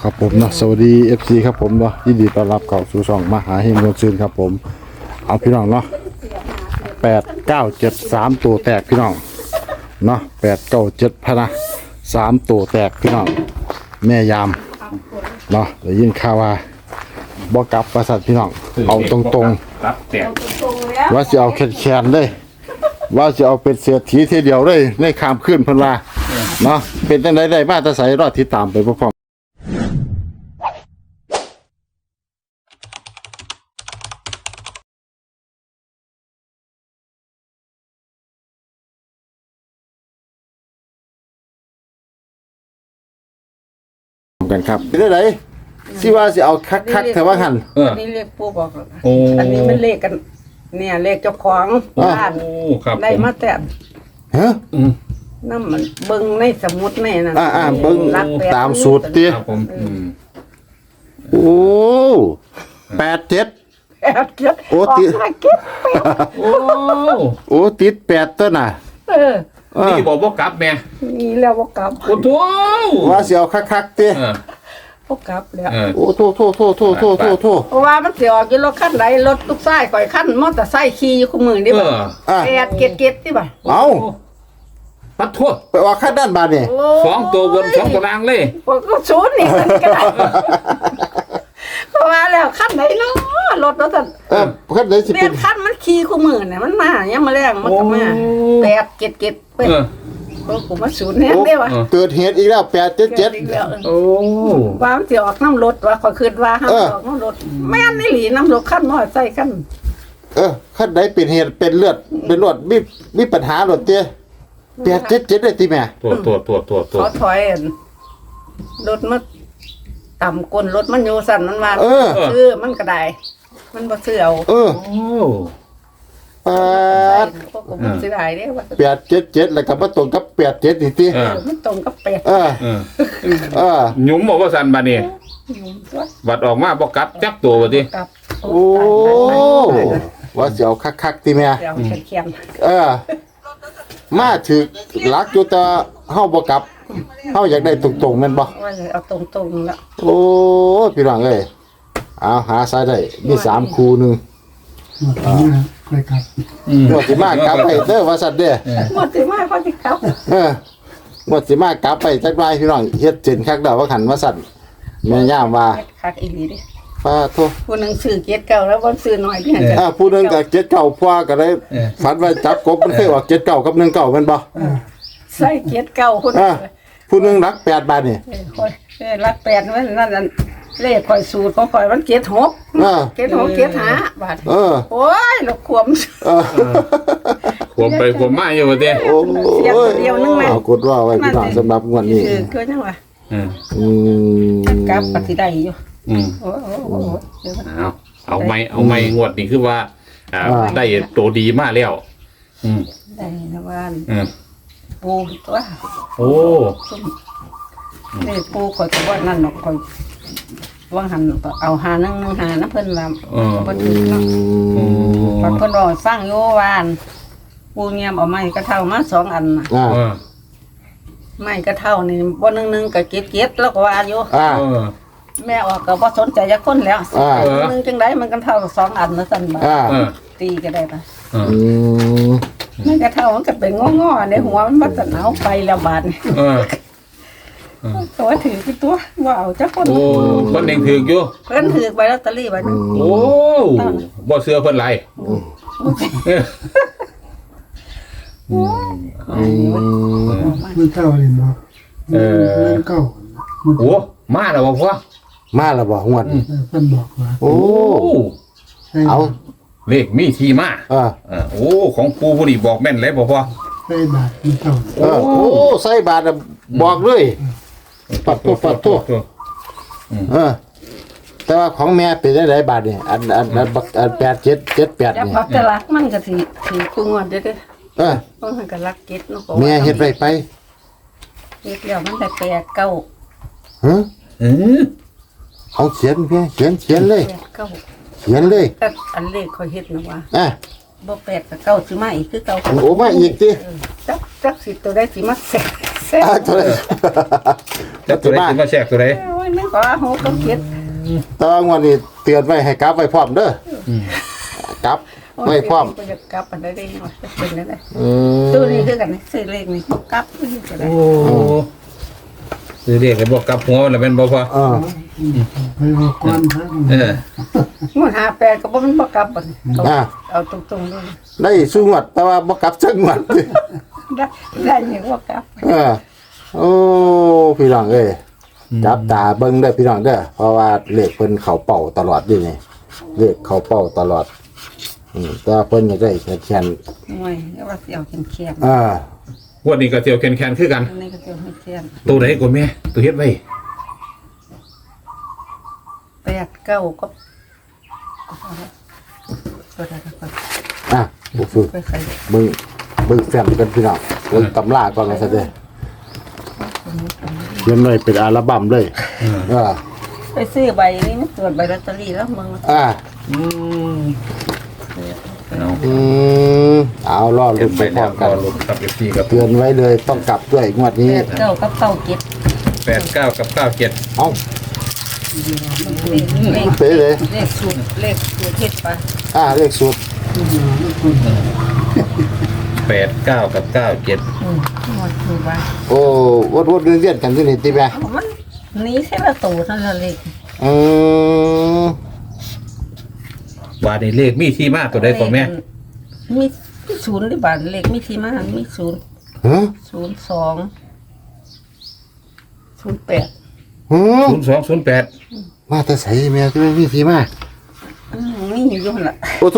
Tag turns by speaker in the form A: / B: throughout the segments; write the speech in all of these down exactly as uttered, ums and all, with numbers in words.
A: ครับผมเนาะสวัสดี เอฟ ซี ครับผมเนาะยินดีต้อนรับเข้าสู่ช่องมหาเฮงมวลซืนครับผมเอาพี่น้องเนาะแปดเก้าเจ็ดสามตัวแตกพี่น้องเนาะแปดเก้าเจ็ดพะนะสามตัวแตกพี่น้องแม่ยามเนาะได้ยินข่าวว่าบ่กลับประสัตพี่น้องเอาตรงๆ
B: รับแตก
A: ว่าจะเอาแขนๆเลยว่าจะเอาเป็นเสียทีทีเดียวเลยในคามขึ้นเพิ่นว่าเนาะเป็นจังไดได้บ้านตาใสรอดที่ตามไปพร้อมๆกันครับเป็นจังไดสิว่าสิเอาคักๆแต่ว่าหั่น
B: เออ
C: อันนี้เลขปู่บอกแล้ว
B: โอ้
C: อันนี้มันเลขกัน เนี่ยเลขเจ้าของบ้าน
B: โอ้ครับ
C: ได้มาแต่
A: ฮะ
B: อืม
C: น้ำมันเบิ่งในสมุดในนั่น
A: อ่าๆเบิ่ง
C: รักแปด
A: ตามสูตรติ
B: ครับผมอืม
A: โอ้แปดเจ็ด
C: แปดเจ็ด
A: โอ้
C: ออก
A: ติ
C: มาเก็บแปด
B: โอ้
A: โอ้ติดแปดตัวน่ะ
C: เออ
A: เออ
B: นี่บอกว่ากลับแม่
C: มีแล้วบ่กลับ
B: โอ้โถ
A: ว่าสิเอาคักๆติ
B: เออ
C: บ่กลับแล้ว
B: เออ
A: โอ้โทโทโทโทโทโทโท
C: เพราะว่ามันสิออกอยู่รถคันใดรถทุกซ้ายข่อยคันมอเตอร์ไซค์ขี่อยู่คู่มือนี่
B: เอ
C: บ่
B: อ
A: อ่ะ
C: แปดเก็ดเก็ดที่บ่
A: เอา
B: ปัดทั่ว
A: ไปว่าคันด้านบาดนี่
C: โอ้
B: สองตัวบนสองตัวล่างเลย
C: พวกก็ศูนย์นี่มันก็ได้เพราะว่าแล้วคันไหนเนาะรถรถท่าน
A: เออคันไหนสิ
C: เรี
A: เป็
C: ย
A: น
C: นคันมันขี่คู่มือเนี่ยมันมาเนี่ยามมาแรงมันก็มาแปดเก็ดเก็ดไป
B: เออ
C: โอ้ผมมาศูนย์เนี่ยได้วะ
B: เออ
A: เกิดเหตุอีกแล้วแปดเจ็ดเจ็ด
C: อีกแล้ว
B: โอ้
C: ว่ามันสิออกน้ำรถว่าขอยคิดว่าห้าม
A: เออ
C: ออกน้ำรถแม่นนี่หลีน้ำรถคันมอใส่คัน
A: เออขั้นใดเป็นเหตุเป็นเลือดเป็นรวดมีมีปัญหาหรอเตี้ยแปดเจ็ดเจ็ดเลยตีแม่
B: ตัวตัวตัวตัวตัว
C: เขาถอยอั่นรถมันต่ำก้นรถมันอยู่สั่นมันว่า
A: เออ
C: ซื้อมันก็ได้มันบ่ซื้อเอา
A: เออ
B: โอ้
A: แปด
C: พวกผมมันสิได้เด้ว่า
A: แปดเจ็ดเจ็ดแล้วก็มาตรงกับแปดเจ็ดนี่ตี
B: เอ
C: เอ
B: อ
C: อมันตรงกับแปด
A: เออ
B: เออ
A: เออ
B: หยุ่มบอกว่าสันบานี่
C: ตัว
B: บัดออกมาบอกกลับจักตัวบ่ติ
C: กลับ
A: โอ้ว่าเสียวคักๆตีแม่
C: เดี๋ยวเขียน
A: เออ มาถึกลักอยู่แต่เฮาบ่กลับเฮาอยากได้ตรงๆแม่นบ่
C: ๆว่าจะเอาตรงๆแล้ว
A: โอ้พี่น้องเอ้ยเอาหาซายได้มีสามคู่หนึง
B: อืม
A: งวดสิมากลับไปเด้อว่าซั่นเด้อ
C: หมดสิมาพอสิครับ
A: เอองวดสิมากลับไปจักหน่อยพี่น้องเฮ็ดเจนคักดอกว่าขันว่าซั่นแม่ย่ามว่า
C: เฮ็ดคักอีหลีเด้
A: ป้าโท
C: ผู้หนึงซื้อเกียรเก่าแล้วบ่ซื้อน้อยเพียงแต่
A: อ่าผู้หนึงก็เจ็ดเก้าพ่อก็ได้ฝันว่าจับกบมันเคยออกเจ็ดเก้ากับหนึ่งเก้าแม่นบ่
C: ใส่เกียรเก่าคน
A: อ่าผู้หนึงรักแปดบาทนี่
C: เออข่อยเออรักแปดมันนั่นนั่นเลขข่อยสูตรของข่อยมันเกียรหก
A: อ่า
C: เกียรหกเกียรห้าบาท
A: เออ
C: โอ้ยลูกขวม
A: เออ
B: ขวมไปขวมมาอยู่บ่ติ
A: โอ้
C: เสียตัวเดียวนึงแม่
A: เอากดว่าไว้พี่น้องสำหรับงวดนี้
C: คือคือจังว่า
B: อืม
A: อืม
C: กลับปฏิได้อยู่
B: อืม
C: โอ้โหโอ้โหเดี๋ยวมัน
B: เอาเอาไม่เอาไม่งวดนี่คือว่าอ่าได้ตัวดีมากแล้ว อืม
C: ได้นะว่า
B: อืม
C: ปูตัว
B: โอ้
C: เลขปูข่อยก็ว่านั่นเนาะข่อยว่างหันเอาหาหนึงหนึงหานะเพิ่นว่า
B: เออ
C: บ่ถึงเนาะ
A: อืม
C: พอเพิ่นบอกให้ฟังอยู่ว่าอั่นปูเงียมเอาไม้กระเท่ามาสองอันน่ะ
A: อ่า
B: เออ
C: ไม้กระเท่านี่บ่หนึงหนึงก็เก็บเก็บแล้วก็ว่าอยู่
A: อ่า
B: เออ
C: แม่ออกก็บ่สนใจจักคนแล้ว
A: อ่า
C: หนึงจังไดมันกันเท่าสองอันนะซั่นบ่
A: อ่า
B: เออ
C: ตีก็ได้ปะ
B: เออ
A: อืม
C: ไม้กระเท่ามันก็เป็นงอๆในหัวมันบ่จะหนาวไปแล้วบาดนี่
B: เออ
C: ตัวถือคือตัวบ่เอาจักคน
B: โอ้คนเองถือกอยู่
C: เพิ่นถือใบลอตเตอรี่ไว้นึง
B: โอ้บ่เสื้อเพิ่นไรเออ
A: อืม
D: มันเก้าเลยเนาะ
B: เออ
D: มันเก้า
B: โอ้มาแล้วบ่พ่อ
A: มาแล้วบ่งวดนี้
D: เออเพิ่นบอกว่า
A: โอ้
B: โอ้
D: ให้
A: เอา
B: เลขมีที่มา
A: อ่า
B: เออโอ้ของปูผู้นี้บอกแม่นเลยบ่พ่อ
D: ให้บาทมันเก้า
A: เออโอ้ใส่บาทน่ะบอกเลย ปัดตัวปัดตัว เออ แต่ว่าของแม่เป็นได้หลายบาทนี่อันอันอันบักอันแปดเจ็ดเจ็ดแปด
C: จัก
A: นี่
C: พักแต่ลักมันก็สิสิกูงวดเด้อเด้อ
A: เออ
C: ต้องให้ก็ลักเก็ดเนาะก็
A: แม่เฮ็ดไรไป
C: เฮ็ดแล้วมันได้แปดเก้า
A: ฮะ
B: เออ
A: เอาเขียนแม่เขียนเขียนเลย
C: แปดเก้า
A: เขียนเลย
C: แต่อันเลขข่อยเฮ็ดนะว่า
A: อ่ะ
C: บ่แปดกับเก้าสิมาอีกคือเก่า
A: โอ้มาอีกติ
C: เออจักจักสิตัวได้สิมาแสกแสแต่
A: อ่าตัวใด
B: แล้วตัวไหนขึ้นมาแทรกตัวไหน
C: โอ้ยนึกว่าหกกับเจ็ด
A: แต่ว่างวดนี้เตือนไว้ให้กลับไว้พร้อมเด้ออ
B: ม
A: กลับไว้พร้อม
C: ก็จะกลับอันใดได้หน่อยจะเป็นได้
A: อื
C: ตัว
A: ม
C: นี้คือกันซื้อเลขนี่กลับนี่ก็ได้
B: โอ้ซื้อเรียกเลยบอกกลับหัวมันแล้วเป็นบ่พอ
A: เออ
D: ไปบอกก่อนครับ
B: เออ
C: งวดหาแปดก็บ่มันบ่กลับบัดเอา
A: อ่า
C: เอาตรงๆเลย
A: ได้สู้งวดแต่ว่าบ่กลับจักงวด
C: ได้ได้ยังบ่กลับ
A: เออโอ้พี่น้องเอ้ยจับตาเบิ่งเด้อพี่น้องเด้อเพราะว่าเลขเพิ่นเข้าเป้าตลอดอยู่นี่เลขเข้าเป้าตลอดอืมแต่ว่าเพิ่นอยากได้แค่น
C: หน่วยแล้วว่าสิเอาแข็ง
A: ๆอ่า
B: งวันนี้ก็เตียวแคนๆคือกัน
C: ๆอันนี้ก็สิเอาให้แข็ง
B: ตัวไหนก็แม่ตัวเฮ็ดไว้
C: แปดเก้าก็ก็ได้ก็
A: อ่ะบ่ฝึก
C: ไปใส่
A: เบิ่งเบิ่งแฟ้มกันพี่น้องเบิ่งตำราก่อนว่าซะเด้อเขียนไว้เป็นอัลบั้มเลยเออ
C: ไปซื้อใบนี้มันตรวจใบลอตเตอรี่แล้วมึง
A: อ่า
B: อืมเอา
A: อืมเอารอ
B: เก็
A: ลุ้
B: บ
A: น
B: ไป
A: ไปพร้
B: แล้
A: อ
B: ว
A: ม
B: ก็
A: กัน
B: ลงครับ เอฟ ซี ครับ
A: เตือนไว้เลยต้องกลับด้วยงวด
C: แป
A: นี้
C: ดเก้ากับเก้าเจ็ด
B: แปดเก้ากับเก้าเจ็ด
A: เอ้า
C: เลขเลข
A: เป๊ะเลย
C: เลขสูตรเลขสูตรเฮ็ดไป
A: อ่าเลขสูตร
B: แปดเก้ากับเก้าเจ็ด
C: อืมหมดคือว่า
A: โอ้วดวดเวียนๆกันที่นี่ติแม่
C: เอามันหนี้แค่ละตัวเท่านั้นเลข
A: อืม
B: ว่าในเลขมีที่มาตัวใดก็แม่
C: มีมีศูนย์หรือบาทเลขมีที่มามีศูนย์
A: ฮะ
C: ศูนย์สองศูนย์แปด
A: ฮะ
B: ศูนย์สองศูนย์แปด
A: มาแต่ใส่แม่ที่ไม่มีทีมา
C: อืมมีอยู่หั่นล่ะ
A: โอ้โถ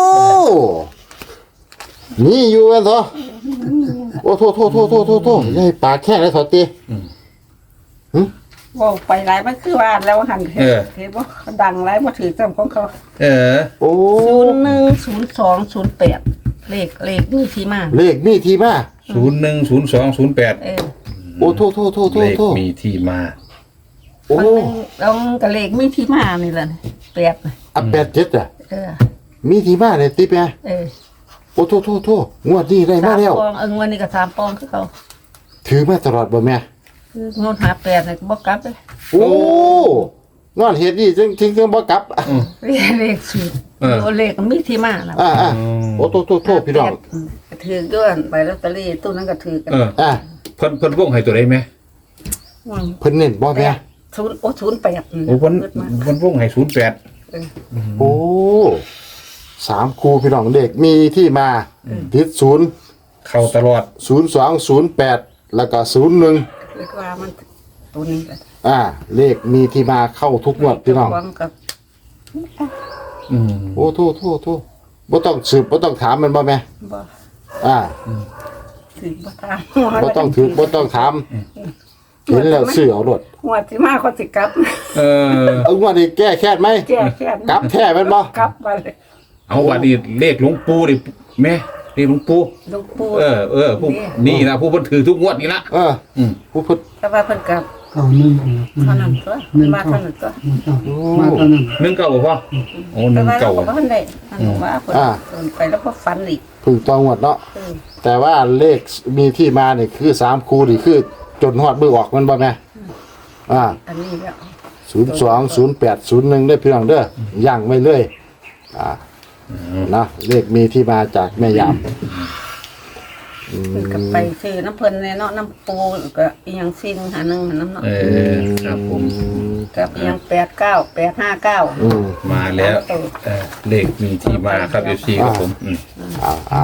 A: นี่อยู่กันเถอะโอ้โถโถโถโถโถโถยายปากแค่ไหนถอดตี
C: เว่าไปหลายมันคือว่าแล้วหันเห็นเห็นว่าดังหลายมาถือจำของเขา
B: เออ
A: โอ้
C: ศูนย์หนึ่งศูนย์สองศูนย์แปดเลขเลขมีที่มา
A: เลขมีทีมา
B: ศูนย์หนึ่งศูนย์สองศูนย์แปด
C: เออ
A: โอ้โถโถโถโถ
B: เลข
A: โถ
B: มีที่มา
A: โอ้
C: มันหนึ่งเอากับเลขมีที่มานี่แหละแปดน่ะ
A: อ่ะแปดเจ็ดอ่ะ
C: เออ
A: มีทีมาเลยติแม่
C: เออ
A: โอ้โถโถโถงวดนี้ได้
C: สา
A: มาแล้ว
C: ปองเออวันนี้ก็สามปองคือเขา
A: ถือมาตลอดบ่แม่
C: คืองดหาแปดเนี่ยบอกกลับเลย
A: โอ้งอนเฮ็ดนี่จึงจึงจึงบ่กลับ
C: เลขเลขสูตรโอเลขมีที่มานะ
A: อ่าอ่าโอ้โถโถโถพี่น้อง
C: มก็ถือด้วยใบลอตเตอรี่ตู้นั้นก็ถือกัน
B: เออ
A: อ่า
B: เพิ่นเพิ่นวงให้ตัวใดไหม
C: ม
A: เพิ่นเน้นบ่
C: แป
A: แม่
C: ดศูนย์โอ้ศูนย์แปด
B: โอ้เพิ่น
C: เกิดมา
B: เพิ่นวงให้ศูนย์แปด
C: เออ
A: โอ้สามครูพี่น้องเด็กมีที่มาทิศศูนย์
B: เข้าตลอด
A: ศูนย์สองศูนย์แปดแล้วก็ศูนย์หนึ่ง
C: เรียกว่ามันตัวนี้กัน
A: อ่า เลขมีที่มาเข้าทุกงวดพี่น้อง
C: ความกับ
B: อืม
A: โอ้โทษโทษโทษบ่ต้องสืบบ่ต้องถามมันบ่แม่
C: บ่
A: อ่า
C: ถือบ่ตาม
A: บ่ต้องถือบ่ต้องถามเห็นแล้วซื้อเอารถ
C: หัวที่มาเขาสิกลับ
B: เออ
A: เอางวดนี้แก้แค้นไหม
C: แก้แค้น
A: กลับแท้แม่นบ่
C: กลับมาเลย
B: เอาว่านี่เลขหลวงปู่ดิแม่เลขหลวงปู่
C: ลูกปู่
B: เออเออผู้นี่นะผู้เพิ่นถือทุกงวดนี่ละ
A: เออ
B: อืม
A: ผู้พุทธ
C: แต่ว่าเพิ่นกลับ
D: เก่าหนึ่ง
C: เท่านั้นตัว
D: หนึ่ง
C: มา
D: เก่า
C: เท่านั้นตัว
D: มาตอนนั้น
B: หนึ่งเก้าบ่พ่อโอ้ห
C: แต่
B: นึ่ง
C: ว่าเรา
B: เก้า
C: ก็บ่ทันได้อันนั้นว่าเพิ่นเพิ่นไปแล้วก็ฝันอีก
A: เพึ่งต้องงวดเนาะ
C: เออ
A: แต่ว่าเลขมีที่มานี่คือสามครูนี่คือจนฮอดมือออกมันบ่แม่อ่า
C: อันนี้แล้ว
A: ศูนย์สองศูนย์แปดศูนย์หนึ่งได้พี่น้องเด้อย่างไว้เลยอ่านะเลขมีที่มาจากแม่ยาม
C: เพิ่นก็ไปซื้อน้ำเพิ่นแน่เนาะน้ำปูก็อีหยังซิ่งหาหนึงหาน้ำเนาะ
B: เออครับผม
C: กับอีหยังแปดเก้า แปดห้าเก้า
A: อืม
B: มาแล้วเออเลขมีที่มาครับเอฟซีครับผมอืม
A: อ้าวอ้าว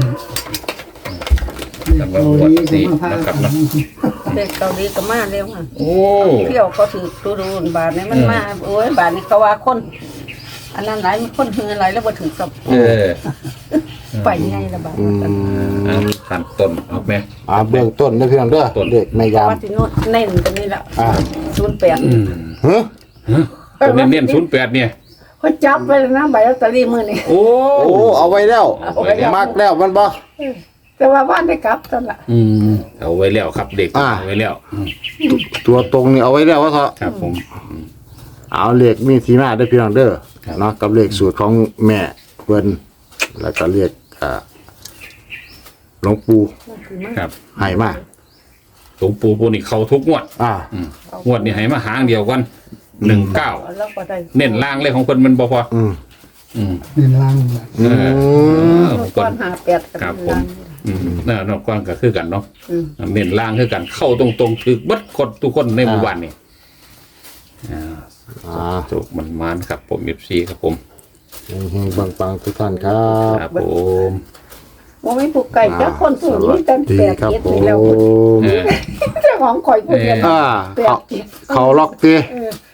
B: สำหรับงวดนี้นะครับเนาะ
C: เด็กเกาหลีก็มาเร็วอ่ะ
B: โอ้
C: เที่ยวเขาถือดูดูบาทนี้มันมาโอ้ยบาทนี้เขาว่าคน อันนั้นหลายมีคนหือหลายแล้วบ่ถึงสับ
B: เออ
C: ไปไงละบาท
A: อืม
B: เอาขั้นต้นเอาแม่
A: อ่าเบื้องต้นนะพี่น้องเด้อ
B: ต้น
A: เลขแม่ยาม
C: ว่าที่โน้นเน้นตรงนี้ละ
A: อ่า
C: ศูนย์แปด
A: เฮ้ย
B: ตัวเน้นๆศูนย์แปดเนี่ย
C: เขาจับไปแล้วนะใบลอตเตอรี่มือนี่
B: โอ้
A: โอ้เอาไว้แล้ว
C: เอาไว้แล้ว
A: มักแล้วมันบ่
C: แต่ว่าบ้านได้กลับตอนละ
B: อืมเอาไว้แล้วครับเด็ก
A: อ่า
B: เอาไว้แล้วอืม
A: ตัวตรงนี่เอาไว้แล้วว่าเถอะ
B: ครับผม
A: เอาเลขมีที่มาได้อพี่น้องเด้อเนาะกับเลขสูตรของแม่เพิ่นแล้วก็เลขอ่าหลวงปู่
B: ครับ
A: ให้มา
B: หลวงปู่ปูนี่เขาทุกงวด
A: อ่า
B: อืมงวดนี้ให้มาหางเดียวกันหนึ่งเก้า
C: แล้วก็ได้
B: เน้นล่างเลยของคนมันบ่พอ
A: อืม
B: อืม
D: นี่ล่างเลย
B: เออเออ
C: ก้อนหาแปดกัน
B: ครับผม อืมเออนอกก้อนก็คือกันเนาะ
C: อืม
B: เน้นล่างคือกันเข้าตรงๆคือเบัดคนทุกคนในหมู่บ้านนี่อ่า
A: อ่า
B: สุกมันมานครับผมเอฟซีครับผม
A: เฮงๆปังๆทุกท่านครับ
B: ครับผม
C: ว่าไม่ผูกไก่เจ้าคนสูงนี่ตั้ง
A: ดี
C: แปด
A: ครับ
C: เจ็ด
A: ผ
C: ไป
A: ม
C: แล้ว
B: เออ
C: เจ้าของข่อยผู้เดียว
A: อ่า
C: แป
A: เขา
C: ดเจ็ด
A: เขาล็อกตี
C: เออ